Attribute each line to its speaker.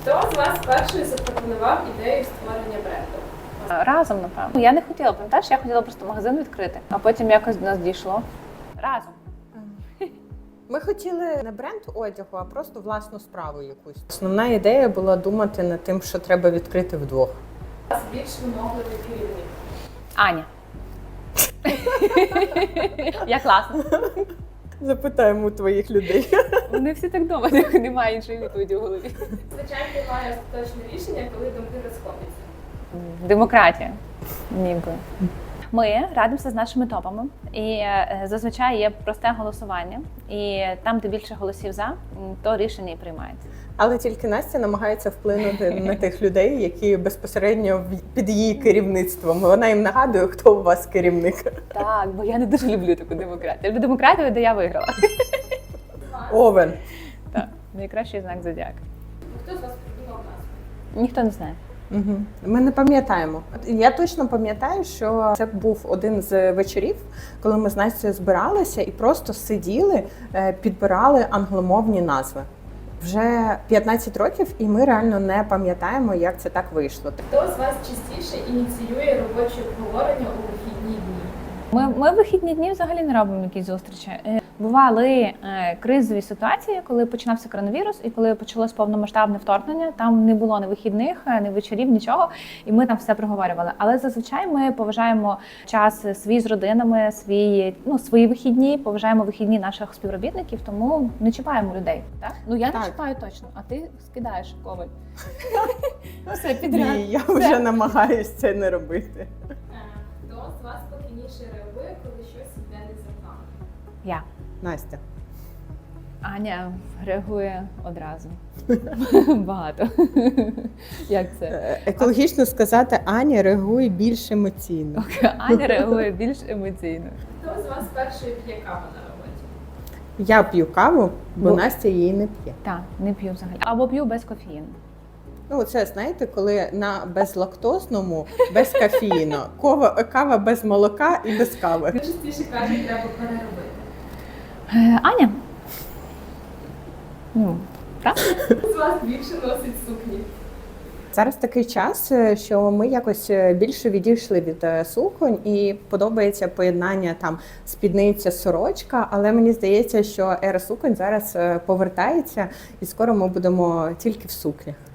Speaker 1: Хто з вас перший запропонував ідею створення бренду?
Speaker 2: Разом, напевно. Я не хотіла, пам'ятаєш, я хотіла просто магазин відкрити, а потім якось до нас дійшло. Разом.
Speaker 3: Ми хотіли не бренд одягу, а просто власну справу якусь. Основна ідея була думати над тим, що треба відкрити вдвох.
Speaker 1: У вас більш вимогливий керівник?
Speaker 2: Аня. Я класна.
Speaker 3: Запитаємо у твоїх людей.
Speaker 2: Вони всі так думають, немає іншої відповіді в голові.
Speaker 1: Звичайно, приймає остаточне рішення, коли думки розходяться.
Speaker 2: Демократія. Ніби. Ми радимося з нашими топами, і зазвичай є просте голосування. І там, де більше голосів за, то рішення і приймається.
Speaker 3: Але тільки Настя намагається вплинути на тих людей, які безпосередньо під її керівництвом. Вона їм нагадує, хто у вас керівник.
Speaker 2: Так, бо я не дуже люблю таку демократію. Я люблю демократію, де я виграла.
Speaker 3: Овен.
Speaker 2: Так, найкращий знак зодіака.
Speaker 1: Хто з вас придумав назву?
Speaker 2: Ніхто не знає.
Speaker 3: Угу. Ми не пам'ятаємо. Я точно пам'ятаю, що це був один з вечорів, коли ми з Настю збиралися і просто сиділи, підбирали англомовні назви. Вже 15 років, і ми реально не пам'ятаємо, як це так вийшло.
Speaker 1: Хто з вас частіше ініціює робочі обговорення у вихідні дні?
Speaker 2: Ми в вихідні дні взагалі не робимо якісь зустрічі. Бували кризові ситуації, коли починався коронавірус і коли почалось повномасштабне вторгнення. Там не було ні вихідних, ні вечорів, нічого, і ми там все проговорювали. Але зазвичай ми поважаємо час свій з родинами, свої вихідні, поважаємо вихідні наших співробітників, тому не чіпаємо людей. Так? Ну я не чіпаю точно, а ти скидаєш коваль. Все підряд.
Speaker 3: Ні, я вже намагаюся це не робити.
Speaker 1: Хто з вас спокійніше реагує, коли щось йде не за планом?
Speaker 2: Я.
Speaker 3: Настя.
Speaker 2: Аня реагує одразу. Багато. Як це?
Speaker 3: Екологічно сказати, Аня реагує більш емоційно.
Speaker 2: Аня реагує більш емоційно.
Speaker 1: Хто з вас перший п'є каву на роботі?
Speaker 3: Я п'ю каву, бо Настя її не п'є.
Speaker 2: Так, не п'ю взагалі. Або п'ю без кофеїну.
Speaker 3: Ну, це, знаєте, коли на безлактозному, без кофеїну, кава без молока і без кави.
Speaker 1: Хто частіше каже, треба переробити?
Speaker 2: Аня? Ну, правда?
Speaker 1: Хто з вас більше носить сукні?
Speaker 3: Зараз такий час, що ми якось більше відійшли від суконь і подобається поєднання там спідниця, сорочка, але мені здається, що ера суконь зараз повертається і скоро ми будемо тільки в сукнях.